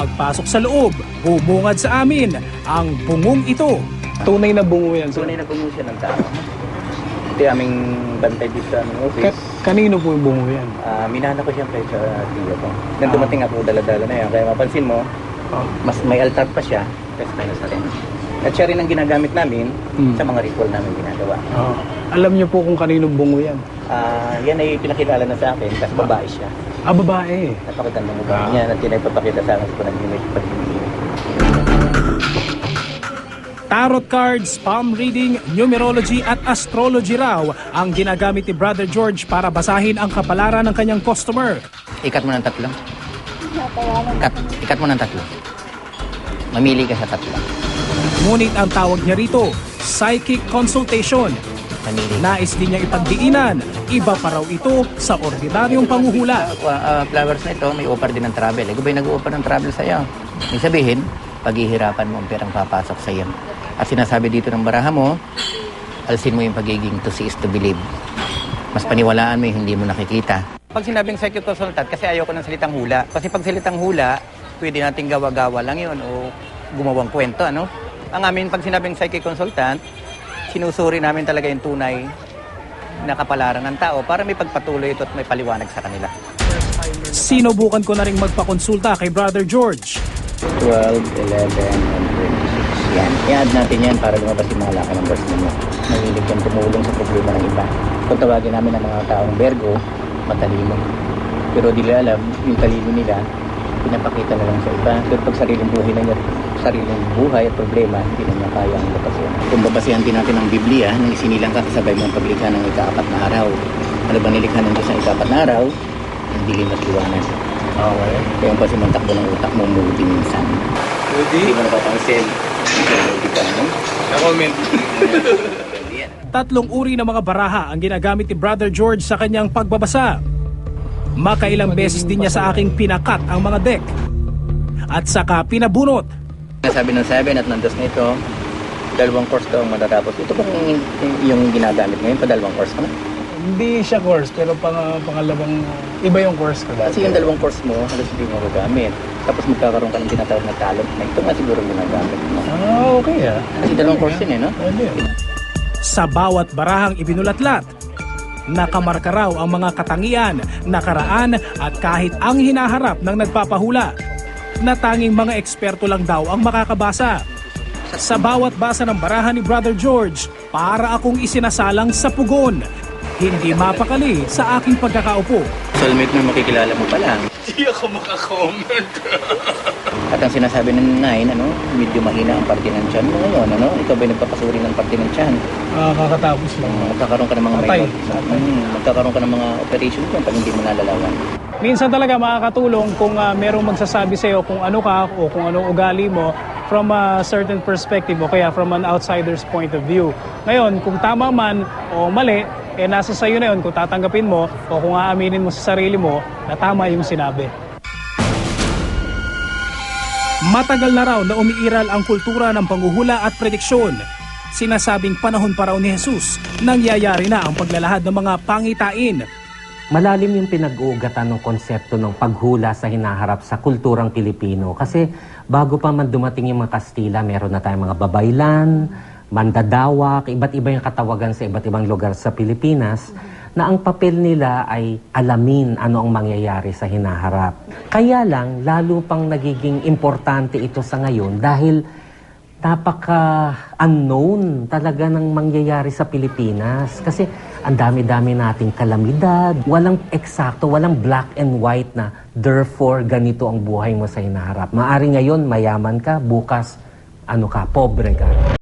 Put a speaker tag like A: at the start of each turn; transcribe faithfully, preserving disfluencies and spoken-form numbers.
A: Pagpasok sa loob, bumungad sa amin ang bungong ito.
B: Tunay na bungo yan, sir.
C: Tunay na bungo siya ng tao. Ito yung aming bantay dito sa aming office.
B: Ka- kanino po yung bungo yan?
C: Ah, minana ko siyempre sa tiyo ko. Nang dumating ako, dala-dala na yan. Kaya mapansin mo,
B: Oh.
C: mas may altar pa siya kasi tayo sa rin. At siya rin ang ginagamit namin
B: Hmm.
C: sa mga ritual namin ginagawa.
B: Oh. Alam niyo po kung kanino bungo yan?
C: Ah, yan ay pinakilala na sa akin kasi babae siya.
B: Ah, babae.
C: Napakaganda mo ba
B: Ah.
C: niya at yan ay papakita sa akin sa panaginip pag-ibig.
A: Tarot cards, palm reading, numerology at astrology raw ang ginagamit ni Brother George para basahin ang kapalaran ng kanyang customer.
D: Ikat mo ng tatlo. Ikat, ikat mo ng tatlo. Mamili ka sa tatlo.
A: Ngunit ang tawag niya rito, psychic consultation.
D: Mamili ka.
A: Nais din niyang ipagdiinan, iba pa raw ito sa ordinaryong panguhula.
D: Uh, uh, flowers na ito, may offer din ng travel. Ikaw ba'y nag-offer ng travel sa'yo? Ibig sabihin, paghihirapan mo ang perang papasok sa'yo. At sinasabi dito ng baraha mo, alsin mo yung pagiging to see is to believe. Mas paniwalaan mo yung hindi mo nakikita. Pag sinabing psychic consultant, kasi ayoko ng salitang hula. Kasi pag salitang hula, pwede nating gawa-gawa lang yun o gumawang kwento, ano? Ang amin, pag sinabing psychic consultant, sinusuri namin talaga yung tunay na kapalaran ng tao para may pagpatuloy ito at may paliwanag sa kanila.
A: Sinubukan ko na rin magpakonsulta kay Brother George.
C: twelve, eleven, and twenty-six. Yan. I-add natin yan para lumabas yung mga laki numbers ninyo. Mahilig yan tumulong sa problema ng iba. Kung tawagin namin ang mga taong Virgo, matalino. Pero di nila alam, yung talino nila, pinapakita na lang sa iba. Pero pag sariling buhay na niya, sariling buhay at problema, hindi na niya kaya ang babasehan. Kung babasihan din natin ang Biblia, nang isinilang ka kasabay mo ang paglikha ng ikaapat na araw. Ano ba nilikha ng Diyos ng ikaapat na araw? Ang dilim at liwanag.
B: Okay.
C: Kaya yung pasimantakbo ng utak mo, moody minsan. Hindi mo napapansin. Moody ka, no?
B: Na-comment.
A: Tatlong uri ng mga baraha ang ginagamit ni Brother George sa kanyang pagbabasa. Makailang beses din niya sa aking pinakat ang mga deck. At saka pinabunot.
C: Sabi ng seven at nandos na ito, dalawang course daw ang matatapos. Ito bang yung ginagamit ngayon? Pa dalawang course ka na?
B: Hindi siya course, pero pang, pangalawang, iba yung course ko dati.
C: Kasi yung dalawang course mo, halos hindi mo magagamit. Tapos magkakaroon ka ng tinatawag na talent na ito nga siguro ginagamit mo.
B: Ah, okay ah.
C: Kasi dalawang course yun eh, no?
B: Pwede.
A: Sa bawat barahang ibinulatlat, nakamarka raw ang mga katangian, nakaraan at kahit ang hinaharap ng nagpapahula na tanging mga eksperto lang daw ang makakabasa. Sa bawat basa ng baraha ni Brother George, para akong isinasalang sa pugon. Hindi mapakali sa aking pagkakaupo.
C: Soulmate mo makikilala mo pa lang.
B: Hindi ako makakomment.
C: At ang sinasabi ng nine, ano, medyo mahina ang parte ng tiyan mo ngayon, ano? Ikaw ba'y nagpapasuri ng parte ng tiyan?
B: Ah, kakatapos lang.
C: Um, magkakaroon ka ng mga
B: Patay.
C: minor, hmm, magkakaroon ka ng mga operation ko pag hindi mo nalalawan.
B: Minsan talaga makakatulong kung uh, merong magsasabi sa'yo kung ano ka o kung anong ugali mo from a certain perspective o kaya from an outsider's point of view. Ngayon, kung tama man o mali, eh nasa sa'yo na yun kung tatanggapin mo o kung aaminin mo sa sarili mo na tama yung sinabi.
A: Matagal na raw na umiiral ang kultura ng panghuhula at prediksyon. Sinasabing panahon pa raw ni Jesus, nangyayari na ang paglalahad ng mga pangitain.
E: Malalim yung pinag-uugatan ng konsepto ng paghula sa hinaharap sa kulturang Pilipino. Kasi bago pa man dumating yung mga Kastila, meron na tayong mga babaylan, mandadawak, iba't iba yung katawagan sa iba't ibang lugar sa Pilipinas, na ang papel nila ay alamin ano ang mangyayari sa hinaharap. Kaya lang, lalo pang nagiging importante ito sa ngayon dahil napaka-unknown talaga ng mangyayari sa Pilipinas. Kasi ang dami-dami nating kalamidad, walang eksakto, walang black and white na therefore ganito ang buhay mo sa hinaharap. Maari ngayon mayaman ka, bukas ano ka, pobre ka.